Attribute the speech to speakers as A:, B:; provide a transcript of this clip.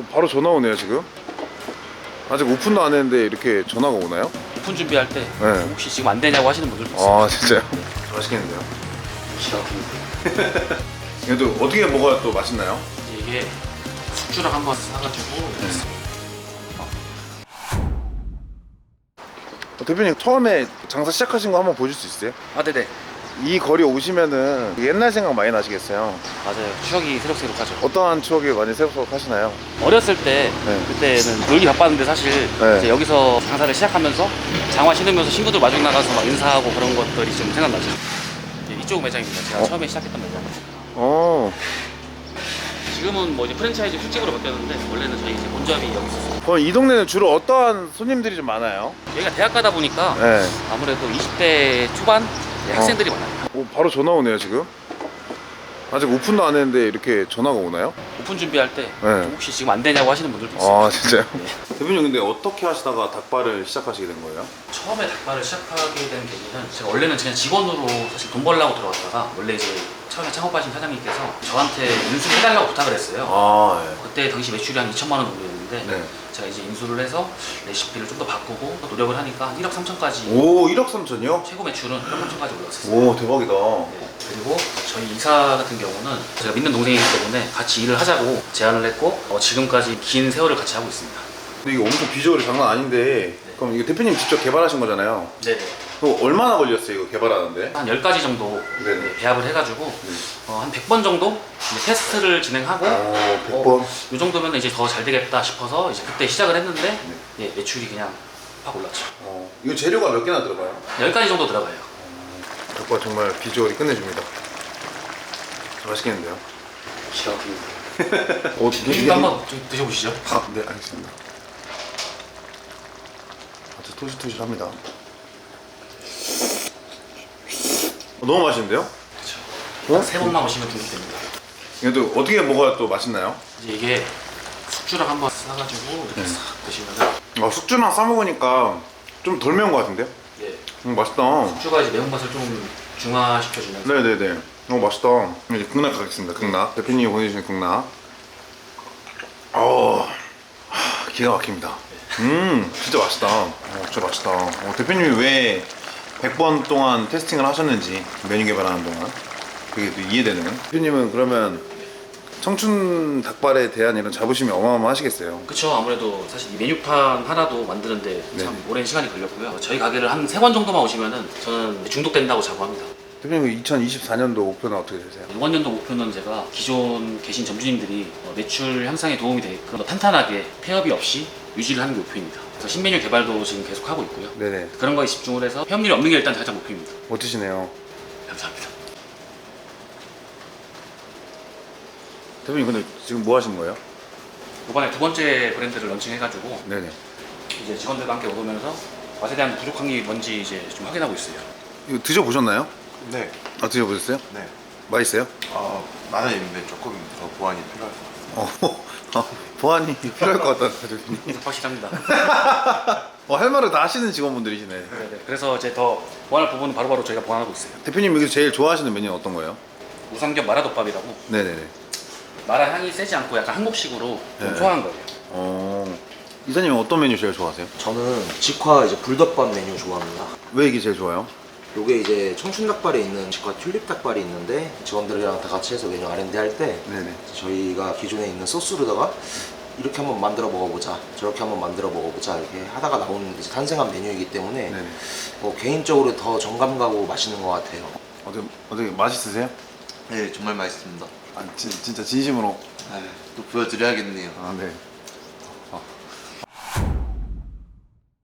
A: 바로 전화 오네요 지금. 아직 오픈도 안 했는데 이렇게 전화가 오나요?
B: 오픈 준비할 때
A: 네.
B: 혹시 지금 안 되냐고 하시는 분들도 있어요.
A: 아 진짜요? 맛있겠는데요?
B: 기가 막힙니다.
A: 얘도 어떻게 먹어야 또 맛있나요?
B: 이게 숙주랑 한번 사가지고
A: 대표님 처음에 장사 시작하신 거 한번 보실 수 있어요?
B: 아 네네
A: 이 거리 오시면은 옛날 생각 많이 나시겠어요?
B: 맞아요. 추억이 새록새록하죠.
A: 어떠한 추억이 많이 새록새록 하시나요?
B: 어렸을 때
A: 네.
B: 그때는 놀기 바빴는데 사실
A: 네.
B: 이제 여기서 장사를 시작하면서 장화 신으면서 친구들 마중 나가서 막 인사하고 그런 것들이 좀 생각나죠. 이쪽 매장입니다. 제가 처음에 시작했던 매장.
A: 어.
B: 지금은 뭐 이제 프랜차이즈 술집으로 바뀌었는데 원래는 저희 이제 본점이 여기 있었어요.
A: 그럼 이 동네는 주로 어떠한 손님들이 좀 많아요?
B: 여기가 대학 가다 보니까
A: 네.
B: 아무래도 20대 초반 학생들이 많아요.
A: 바로 전화 오네요 지금. 아직 오픈도 안 했는데 이렇게 전화가 오나요?
B: 오픈 준비할 때
A: 네.
B: 혹시 지금 안 되냐고 하시는 분들도 있어요.
A: 아 진짜요?
B: 네.
A: 대표님 근데 어떻게 하시다가 닭발을 시작하시게 된 거예요?
B: 처음에 닭발을 시작하게 된 계기는 제가 원래는 그냥 직원으로 사실 돈 벌려고 들어갔다가 원래 이제 처음에 창업하신 사장님께서 저한테 인수를 해달라고 부탁을 했어요.
A: 아 예.
B: 그때 당시 매출이 한 2천만 원 정도였는데
A: 네.
B: 제가 이제 인수를 해서 레시피를 좀 더 바꾸고 또 노력을 하니까 한 1억 3천까지
A: 오 1억 3천이요?
B: 최고 매출은 1억 3천까지 올랐었어요.
A: 오 대박이다.
B: 네. 그리고 저희 이사 같은 경우는 제가 믿는 동생이기 때문에 같이 일을 하자고 제안을 했고 지금까지 긴 세월을 같이 하고 있습니다.
A: 근데 이게 엄청 비주얼이 장난 아닌데 그럼 이거 대표님 직접 개발하신 거잖아요.
B: 네네.
A: 그거 얼마나 걸렸어요 이거 개발하는데?
B: 한 10가지 정도
A: 네네.
B: 배합을 해가지고 한 100번 정도 이제 테스트를 진행하고
A: 100번?
B: 이 정도면 이제 더 잘 되겠다 싶어서 이제 그때 시작을 했는데 예, 매출이 그냥 확 올랐죠.
A: 이거 재료가 몇 개나 들어가요?
B: 10가지 정도 들어가요.
A: 닭발 정말 비주얼이 끝내줍니다. 맛있겠는데요?
B: 기가 막힙니다.
A: 이게
B: 한번 좀 드셔보시죠.
A: 네 알겠습니다. 아주 토실토실합니다. 너무 맛있는데요?
B: 그렇죠. 세 번만 오시면 중독됩니다.
A: 이것도 어떻게 먹어야 또 맛있나요?
B: 이제 이게 숙주랑 한번 싸가지고 이렇게 싹 드시면은
A: 숙주랑 싸 먹으니까 좀 덜 매운 것 같은데요?
B: 예,
A: 맛있다.
B: 숙주가 이제 매운맛을 좀 중화시켜주면서
A: 네네네. 맛있다. 이제 극락 가겠습니다. 극락. 대표님이 보내주신 극락. 기가 막힙니다. 진짜 맛있다. 진짜 맛있다. 대표님이 왜 100번 동안 테스팅을 하셨는지 메뉴 개발하는 동안 그게 또 이해되는. 대표님은 그러면 청춘 닭발에 대한 이런 자부심이 어마어마하시겠어요.
B: 그쵸. 아무래도 사실 이 메뉴판 하나도 만드는데 참 오랜 시간이 걸렸고요. 저희 가게를 한 3번 정도만 오시면은 저는 중독된다고 자부합니다.
A: 대표님 2024년도 목표는 어떻게 되세요?
B: 이번 연도 목표는 제가 기존 계신 점주님들이 매출 향상에 도움이 되게끔 더 탄탄하게 폐업이 없이 유지를 하는 게 목표입니다. 그래서 신메뉴 개발도 지금 계속 하고 있고요.
A: 네네.
B: 그런 거에 집중을 해서 폐업률이 없는 게 일단 가장 목표입니다.
A: 멋지시네요.
B: 감사합니다.
A: 대표님 근데 지금 뭐 하시는 거예요?
B: 이번에 두 번째 브랜드를 런칭해가지고
A: 네네.
B: 이제 직원들과 함께 먹으면서 맛에 대한 부족한 게 뭔지 이제 좀 확인하고 있어요.
A: 이거 드셔보셨나요?
C: 네,
A: 드셔보셨어요?
C: 네.
A: 맛있어요?
C: 많은 있는데 조금 더 보완이 필요할 것 같아요.
A: 보안이 필요할 것 같다, 대표님.
B: 확실합니다.
A: 할 말을 다 하시는 직원분들이시네.
B: 네네. 그래서 이제 더 보완할 부분은 바로바로 저희가 보완하고 있어요.
A: 대표님 여기서 제일 좋아하시는 메뉴는 어떤 거예요?
B: 우삼겹 마라덮밥이라고
A: 네네네.
B: 마라 향이 세지 않고 약간 한국식으로 좀
A: 네.
B: 소화한 거예요.
A: 이사님은 어떤 메뉴 제일 좋아하세요?
D: 저는 직화 이제 불덮밥 메뉴 좋아합니다.
A: 왜 이게 제일 좋아요?
D: 요게 이제 청춘 닭발에 있는 직화 튤립 닭발이 있는데 직원들이랑 다 같이 해서 메뉴 R&D 할 때
A: 네네.
D: 저희가 기존에 있는 소스로다가 이렇게 한번 만들어 먹어보자, 저렇게 한번 만들어 먹어보자 이렇게 하다가 나오는 이제 탄생한 메뉴이기 때문에
A: 네네.
D: 개인적으로 더 정감 가고 맛있는 것 같아요.
A: 어떻게 맛있으세요?
C: 네, 정말 맛있습니다.
A: 진짜 진심으로.
C: 또 보여드려야겠네요.
A: 네.